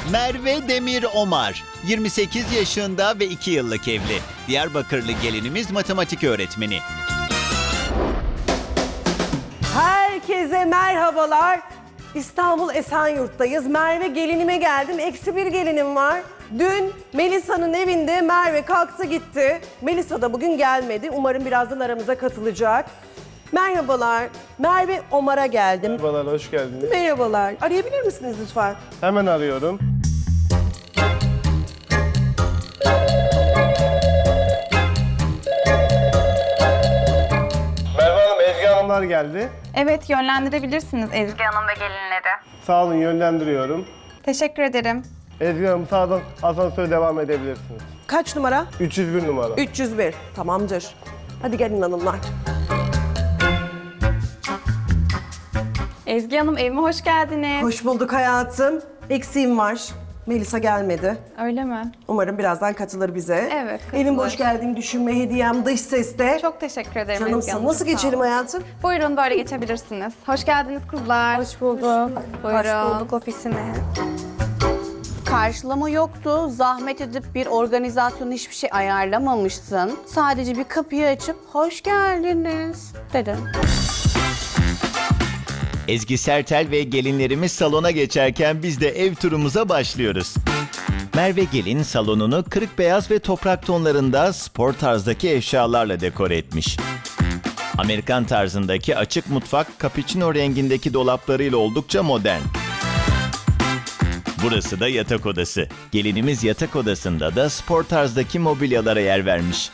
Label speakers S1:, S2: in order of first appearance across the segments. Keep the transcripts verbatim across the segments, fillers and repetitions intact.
S1: Merve Demir Omar, yirmi sekiz yaşında ve iki yıllık evli. Diyarbakırlı gelinimiz matematik öğretmeni.
S2: Herkese merhabalar. İstanbul Esenyurt'tayız. Merve gelinime geldim. Eksi bir gelinim var. Dün Melisa'nın evinde Merve kalktı gitti. Melisa da bugün gelmedi. Umarım birazdan aramıza katılacak. Merhabalar. Merve Omar'a geldim.
S3: Merhabalar, hoş geldiniz.
S2: Merhabalar. Arayabilir misiniz lütfen?
S3: Hemen arıyorum. Merve Hanım, Ezgi Hanımlar geldi.
S4: Evet, yönlendirebilirsiniz Ezgi Hanım ve gelinleri.
S3: Sağ olun, yönlendiriyorum.
S4: Teşekkür ederim.
S3: Ezgi Hanım, sağdan asansöre devam edebilirsiniz.
S2: Kaç numara?
S3: üç yüz bir numara.
S2: üç yüz bir. Tamamdır. Hadi gelin hanımlar.
S4: Ezgi Hanım, evime hoş geldiniz.
S2: Hoş bulduk hayatım. Eksiğim var. Melisa gelmedi.
S4: Öyle mi?
S2: Umarım birazdan katılır bize.
S4: Evet, katılır.
S2: Benim hoş geldiğim düşünme hediyem dış seste.
S4: Çok teşekkür ederim Ezgi
S2: Canımsın.
S4: Hanım.
S2: Nasıl
S4: çok sağ
S2: geçelim
S4: olun.
S2: hayatım?
S4: Buyurun, böyle geçebilirsiniz. Hoş geldiniz kızlar.
S5: Hoş bulduk.
S4: Buyurun. Hoş bulduk ofisine.
S5: Karşılama yoktu. Zahmet edip bir organizasyon hiçbir şey ayarlamamışsın. Sadece bir kapıyı açıp hoş geldiniz dedin.
S1: Ezgi Sertel ve gelinlerimiz salona geçerken biz de ev turumuza başlıyoruz. Merve gelin salonunu kırık beyaz ve toprak tonlarında spor tarzdaki eşyalarla dekore etmiş. Amerikan tarzındaki açık mutfak cappuccino rengindeki dolaplarıyla oldukça modern. Burası da yatak odası. Gelinimiz yatak odasında da spor tarzdaki mobilyalara yer vermiş.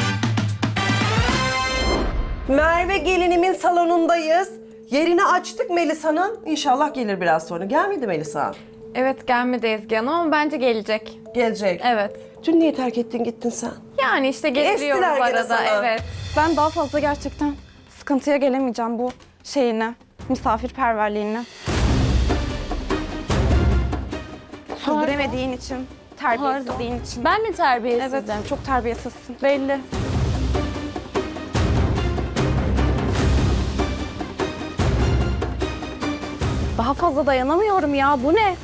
S2: Merve gelinimin salonundayız. Yerini açtık Melisa'nın. İnşallah gelir biraz sonra. Gelmedi Melisa.
S4: Evet, gelmedi Ezgi Hanım ama bence gelecek.
S2: Gelecek.
S4: Evet.
S2: Dün niye terk ettin gittin sen?
S4: Yani işte getiriyoruz
S2: Estiler gene
S4: arada.
S2: sana.
S4: Evet.
S6: Ben daha fazla gerçekten sıkıntıya gelemeyeceğim bu şeyine, misafirperverliğine. Sürdüremediğin için, terbiyesizliğin için.
S5: Ben mi terbiyesizim?
S6: Evet, çok terbiyesizsin. Belli. Daha fazla dayanamıyorum ya, bu ne?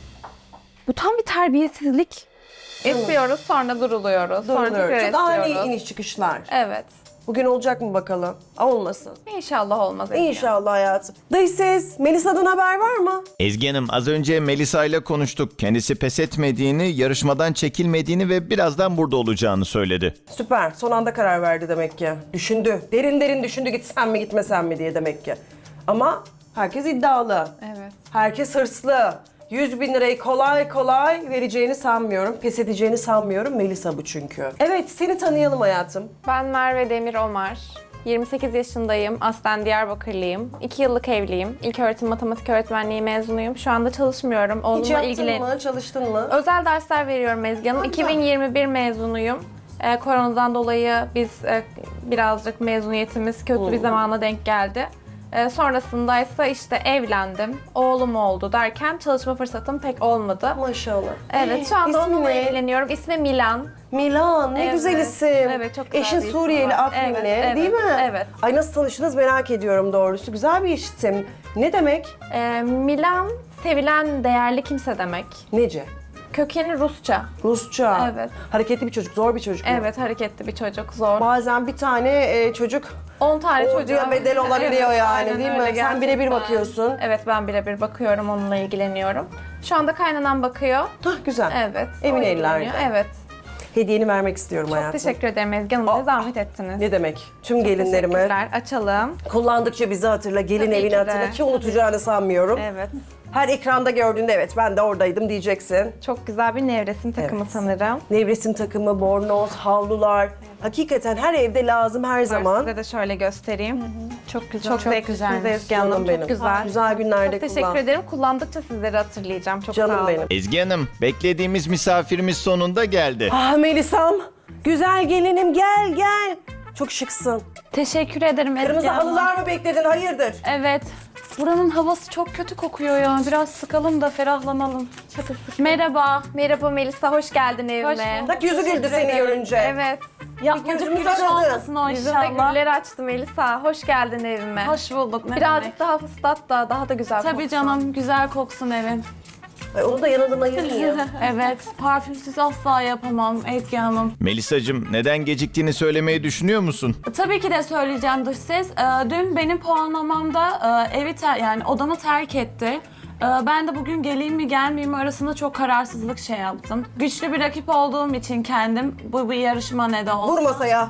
S6: Bu tam bir terbiyesizlik.
S4: Esiyoruz, sonra duruluyoruz. Sonra tekrar
S2: Duruluyor. Daha iyi
S4: esiyoruz.
S2: iniş çıkışlar.
S4: Evet.
S2: Bugün olacak mı bakalım? Olmasın.
S4: İnşallah olmaz Ezgi Hanım.
S2: İnşallah hayatım. Dış ses, Melisa'dan haber var mı?
S1: Ezgi Hanım, az önce Melisa ile konuştuk. Kendisi pes etmediğini, yarışmadan çekilmediğini ve birazdan burada olacağını söyledi.
S2: Süper. Son anda karar verdi demek ki. Düşündü. Derin derin düşündü gitsem mi gitmesem mi diye demek ki. Ama herkes iddialı.
S4: Evet.
S2: Herkes hırslı. yüz bin lirayı kolay kolay vereceğini sanmıyorum. Pes edeceğini sanmıyorum. Melisa bu çünkü. Evet, seni tanıyalım hayatım.
S4: Ben Merve Demir Omar. yirmi sekiz yaşındayım. Aslen Diyarbakırlıyım. iki yıllık evliyim. İlköğretim matematik öğretmenliği mezunuyum. Şu anda çalışmıyorum.
S2: Hiç
S4: Oğlumla
S2: yaptın
S4: ilgilen.
S2: mı? Çalıştın mı?
S4: Özel dersler veriyorum Ezgi Hanım. iki bin yirmi bir mezunuyum. Ee, koronadan dolayı biz e, birazcık mezuniyetimiz kötü bir zamana denk geldi. Ee, sonrasında ise işte evlendim, oğlum oldu derken çalışma fırsatım pek olmadı.
S2: Maşallah.
S4: Evet, şu anda
S2: İsmi
S4: onunla
S2: ne?
S4: ilgileniyorum. İsmi Milan.
S2: Milan, ne
S4: Evet.
S2: güzel isim.
S4: Evet, çok güzel
S2: Eşin
S4: bir isim
S2: Suriyeli,
S4: var.
S2: Afrinli,
S4: Evet, evet,
S2: değil mi?
S4: evet.
S2: Ay nasıl tanıştınız merak ediyorum doğrusu. Güzel bir isim. Ne demek?
S4: Ee, Milan, sevilen, değerli kimse demek.
S2: Nece?
S4: Kökeni Rusça.
S2: Rusça.
S4: Evet.
S2: Hareketli bir çocuk, zor bir çocuk mu?
S4: Evet, hareketli bir çocuk, zor.
S2: Bazen bir tane e, çocuk
S4: on tane
S2: orduya
S4: çocuğa
S2: bedel olabiliyor yani,
S4: aynen
S2: değil mi?
S4: öyle
S2: Sen birebir
S4: gerçekten.
S2: bakıyorsun.
S4: Evet, ben birebir bakıyorum, onunla ilgileniyorum. Şu anda kaynanan bakıyor.
S2: Hah güzel.
S4: Evet.
S2: Emin
S4: o
S2: ellerde.
S4: ilgileniyor. Evet.
S2: Hediyeni vermek istiyorum
S4: Çok
S2: hayatım.
S4: teşekkür ederim Ezgi Hanım.
S2: Aa,
S4: Ne zahmet ettiniz.
S2: Ne demek? Tüm gelinlerime
S4: Teşekkürler. Açalım.
S2: kullandıkça bizi hatırla, gelin
S4: Tabii
S2: evini
S4: ki de.
S2: hatırla ki unutacağını sanmıyorum.
S4: Evet.
S2: Her ekranda gördüğünde evet ben de oradaydım diyeceksin.
S4: Çok güzel bir nevresim takımı
S2: Evet.
S4: sanırım.
S2: Nevresim takımı, bornoz, havlular. Hakikaten her evde lazım her zaman.
S4: Size de şöyle göstereyim. Çok güzel. Çok,
S5: Çok
S4: zevklisiniz
S5: güzelmiş.
S4: Ezgi Hanım.
S2: Canım
S4: Çok
S2: benim.
S4: güzel.
S2: Güzel günlerde
S4: Çok teşekkür
S2: kullan.
S4: ederim. Kullandıkça sizleri hatırlayacağım. Çok sağ
S2: Canım
S4: olun.
S2: benim.
S1: Ezgi Hanım, beklediğimiz misafirimiz sonunda geldi.
S2: Ah Melisam, güzel gelinim gel gel. Çok şıksın.
S6: Teşekkür ederim Ezgi
S2: Kırmızı
S6: Hanım.
S2: halılar mı bekledin? Hayırdır?
S6: Evet. Buranın havası çok kötü kokuyor ya. Biraz sıkalım da ferahlanalım. Merhaba.
S4: Merhaba Melisa, hoş geldin evime.
S2: Bak yüzü güldü seni görünce.
S4: Evet.
S6: Yapmacık
S2: gözümüz
S6: gülüş
S2: aradı.
S6: olmasın o
S4: Yüzünde
S6: inşallah.
S4: güller açtı Melisa. Hoş geldin evime.
S6: Hoş bulduk. Ne
S4: Birazcık
S6: demek.
S4: daha fıslat da daha da güzel
S6: Tabii
S4: koksun.
S6: canım, güzel koksun evin.
S2: Ay, onu da yanından ayırmayayım.
S6: Evet, parfümsüz asla yapamam Ezgi Hanım.
S1: Melisacığım, neden geciktiğini söylemeyi düşünüyor musun?
S6: Tabii ki de söyleyeceğim dış ses. Ee, dün benim puanlamamda e, evi ter- yani odamı terk etti. Ee, ben de bugün geleyim mi gelmeyeyim mi arasında çok kararsızlık şey yaptım. Güçlü bir rakip olduğum için kendim bu bir yarışma ne de olsa.
S2: Vur masaya.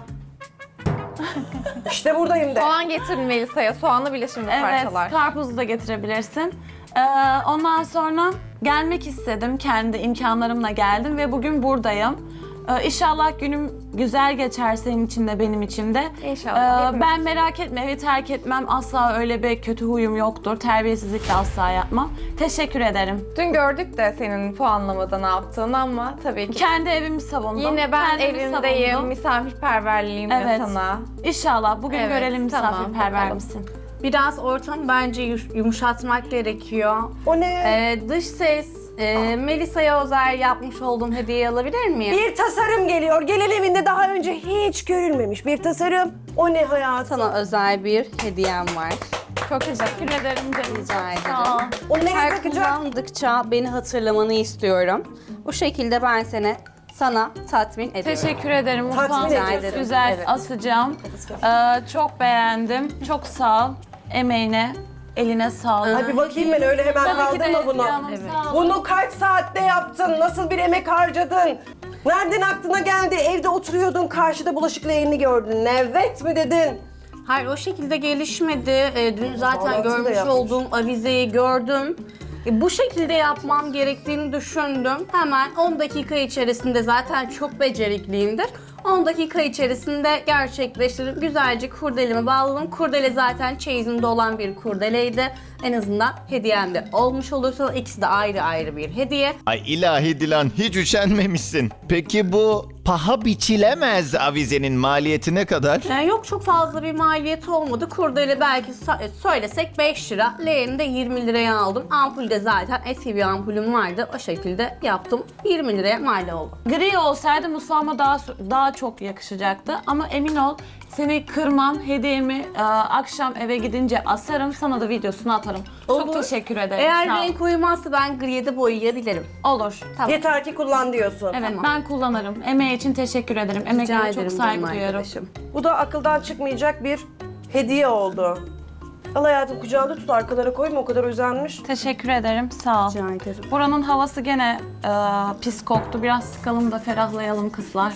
S2: İşte buradayım de.
S4: Soğan getirin Melisa'ya. Soğanlı bile şimdi
S6: Evet,
S4: parçalar.
S6: karpuzu da getirebilirsin. Ee, ondan sonra gelmek istedim. Kendi imkanlarımla geldim ve bugün buradayım. Ee, İnşallah günüm güzel geçer senin için de benim için de.
S4: İnşallah,
S6: Ee,
S4: hepimiz
S6: ben
S4: için.
S6: merak etme, evi terk etmem. Asla öyle bir kötü huyum yoktur. Terbiyesizlik de asla yapmam. Teşekkür ederim.
S4: Dün gördük de senin puanlamada ne yaptığını ama tabii ki.
S6: Kendi evimi savundum.
S4: Yine ben
S6: Kendimi
S4: evimdeyim,
S6: savundum.
S4: misafirperverliğimle
S6: Evet.
S4: sana.
S6: İnşallah bugün
S4: Evet,
S6: görelim
S4: tamam,
S6: misafirperver
S4: bakalım.
S6: misin?
S5: Biraz ortamı bence yuş- yumuşatmak gerekiyor.
S2: O ne?
S5: Ee, dış ses, e, Melisa'ya özel yapmış olduğum hediyeyi alabilir miyim?
S2: Bir tasarım geliyor. Gelin evinde daha önce hiç görülmemiş bir tasarım. O ne hayatım?
S5: Sana özel bir hediyem var.
S4: Çok teşekkür ederim canım.
S5: Rica
S6: Sağ ol.
S5: ederim.
S2: Onu nereye
S5: Her
S2: takacağım?
S5: kullandıkça beni hatırlamanı istiyorum. Bu şekilde ben seni sana tatmin ediyorum.
S6: Teşekkür ederim.
S2: Tatmin
S6: Mutfağın
S2: ediyorsun.
S6: çok güzel
S5: Evet.
S6: asacağım. Ee, çok beğendim. Çok sağ ol. Emeğine, eline sağlık.
S2: Ay bir bakayım ben öyle hemen
S6: Tabii ki de
S2: kaldırma bunu.
S6: Ezgi Hanım, sağ olun.
S2: Bunu kaç saatte yaptın? Nasıl bir emek harcadın? Nereden aklına geldi? Evde oturuyordun, karşıda bulaşık leğenini gördün. Evet mi dedin?
S5: Hayır o şekilde gelişmedi. Ee, dün zaten
S2: Bağlantıyı da
S5: görmüş
S2: yapmış.
S5: olduğum avizeyi gördüm. E, bu şekilde yapmam gerektiğini düşündüm. Hemen on dakika içerisinde zaten çok becerikliyimdir. on dakika içerisinde gerçekleştirdim. Güzelce kurdelemi bağladım. Kurdele zaten çeyizimde olan bir kurdeleydi. En azından hediyem de olmuş olursa ikisi de ayrı ayrı bir hediye.
S1: Ay ilahi Dilan, hiç üşenmemişsin. Peki bu paha biçilemez avizenin maliyeti ne kadar?
S5: Ee, yok çok fazla bir maliyeti olmadı. Kurdele belki sa- söylesek beş lira. Leğeni de yirmi liraya aldım. Ampul de zaten eski bir ampulüm vardı. O şekilde yaptım. yirmi liraya mal oldu.
S6: Gri olsaydı mutfağıma daha daha çok yakışacaktı. Ama emin ol seni kırmam, hediyemi e, akşam eve gidince asarım. Sana da videosunu atarım. Çok
S5: Olur.
S6: teşekkür ederim.
S5: Eğer
S6: sağ ol.
S5: renk uyumazsa ben griye de boyayabilirim.
S6: Olur.
S5: Tamam.
S2: Yeter ki kullan diyorsun.
S6: Evet
S5: Tamam.
S6: ben kullanırım. Emeği için teşekkür ederim.
S5: Rica
S6: Emeklerine çok
S5: ederim
S6: saygı
S5: canım
S6: duyuyorum.
S5: arkadaşım.
S2: Bu da akıldan çıkmayacak bir hediye oldu. Al hayatım kucağında tut, arkalara koyma, o kadar özenmiş.
S6: Teşekkür ederim. Sağ ol.
S5: Rica ederim.
S6: Buranın havası gene e, pis koktu. Biraz sıkalım da ferahlayalım kızlar.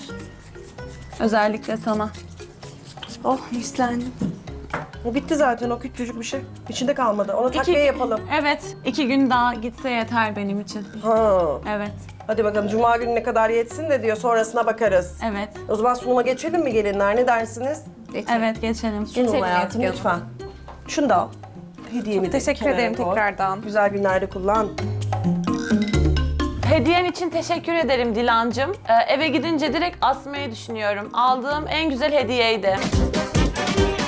S6: Özellikle sana.
S5: Oh hislendim.
S2: O bitti zaten, o küçücük bir şey. İçinde kalmadı. Ona
S6: İki-
S2: takviye yapalım.
S6: Evet. iki gün daha gitse yeter benim için.
S2: Ha.
S6: Evet.
S2: Hadi bakalım cuma gününe kadar yetsin de diyor, sonrasına bakarız.
S6: Evet.
S2: O zaman sunuma geçelim mi gelinler, ne dersiniz?
S6: Evet geçelim.
S2: Sunum
S4: Geçelim
S2: hayatım
S4: Ezgi
S2: lütfen. Şunu da al. Hediyemi de
S4: Teşekkür
S2: kenara
S4: ederim
S2: koy.
S4: tekrardan.
S2: Güzel günlerde kullan.
S6: Hediyen için teşekkür ederim Dilancığım. Ee, eve gidince direkt asmayı düşünüyorum. Aldığım en güzel hediyeydi.